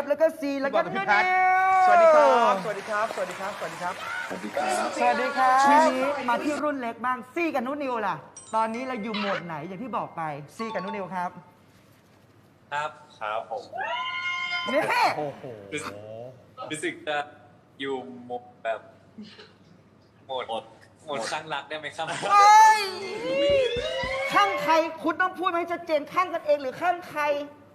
แล้วก็ซีแล้วก็นุ่นนิวสวัสดีครับสวัสดีครับสวัสดีครับสวัสดีครับสวัสดีครับสวัสดีครับทีนี้มาที่รุ่นเล็กบ้างซีกับนุ่นนิวล่ะตอนนี้เราอยู่โหมดไหนอย่างที่บอกไปซีกับนุ่นนิวครับครับผมนี่โอ้โหรู้สึกจะอยู่โหมดแบบโหมดข้างรักได้ไหมครับเฮ้ยข้างใครคุณต้องพูดให้ชัดเจนข้างกันเองหรือข้างใคร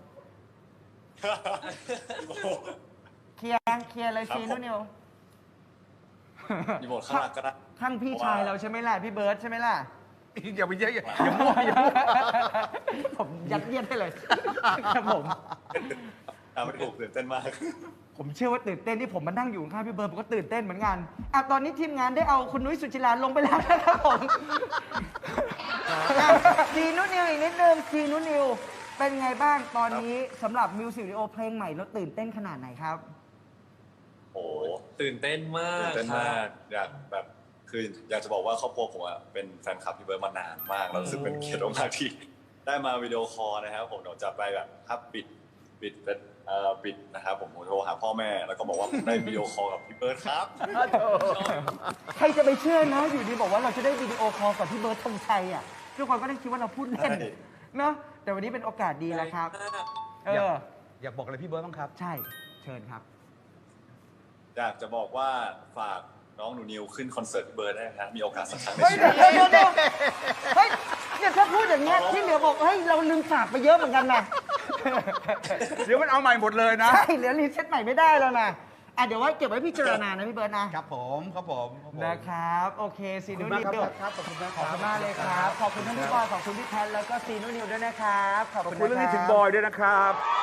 เคลียร์เลยซีนุ่นนิวมีบทข้างหลังก็ได้ข้างพี่ชายเราใช่ไหมล่ะพี่เบิร์ดใช่ไหมล่ะอย่าไปเยอะอย่ามั่วอย่ามั่วผมยัดเยียดให้เลยครับผมไม่ถูกตื่นเต้นมากผมเชื่อว่าตื่นเต้นที่ผมมานั่งอยู่ข้างพี่เบิร์ดผมก็ตื่นเต้นเหมือนกันอ่ะตอนนี้ทีมงานได้เอาคุณนุ้ยสุจิราลงไปแล้วนะครับผมซีนุนิวอีกนิดนึงซีนุนิวเป็นไงบ้างตอนนี้สำหรับมิวสิกวิดีโอเพลงใหม่แล้วตื่นเต้นขนาดไหนครับโอ้ตื่นเต้นมากตื่นเต้นครัมากบอยากแบบคืออยากจะบอกว่าครอบครัวผมอะเป็นแฟนคลับพี่เบิร์ดมานานมากแล้วรู้สึกเป็นเกียรติมากที่ได้มาวิดีโอคอลนะครับผมเดี๋ยวจะไปแบบถ้าปิดนะครับผมโทรหาพ่อแม่แล้วก็บอกว่าผมได้วิดีโอคอลกับพี่เบิร์ดครับใครจะไปเชื่อนะอยู่ดีบอกว่าเราจะได้วิดีโอคอลกับพี่เบิร์ดธงชัยอ่ะทุกคนก็ได้คิดว่าเราพูดเล่นใช่เนาะแต่วันนี้เป็นโอกาสดีแล้วครับเอออยากบอกอะไรพี่เบิร์ดบ้างครับใช่เชิญครับอยากจะบอกว่าฝากน้องหนูนิวขึ้นคอนเสิร์ตพี่เบิร์ดได้นะครับมีโอกาสสักครั้งในเฮ้ยชีเดี๋วิยวตเดี๋ยวเฮ้ยเนี่ยถ้าพูดอย่างเงี้ยที่เหลือบอกเฮ้ยเราลืมฝากไปเยอะเหมือนกันนะเดี๋ยวมันเอาใหม่หมดเลยนะใช่เหลือรีเซ็ตใหม่ไม่ได้แล้วนะอ่ะเดี๋ยวไว้เก็บไว้พิจารณานะพี่เบิร์ดนะครับผมครับผมนะครับโอเคซีขอบนูคุณมากนิวครับขอบคุณมากขอบคุณมากเลยครับขอบคุณท่านพี่บอยขอบคุณพี่แพทแล้วก็ซีนูนิวด้วยนะครับขอบคุณเรื่องนี้ถึงบอยด้วยนะครับ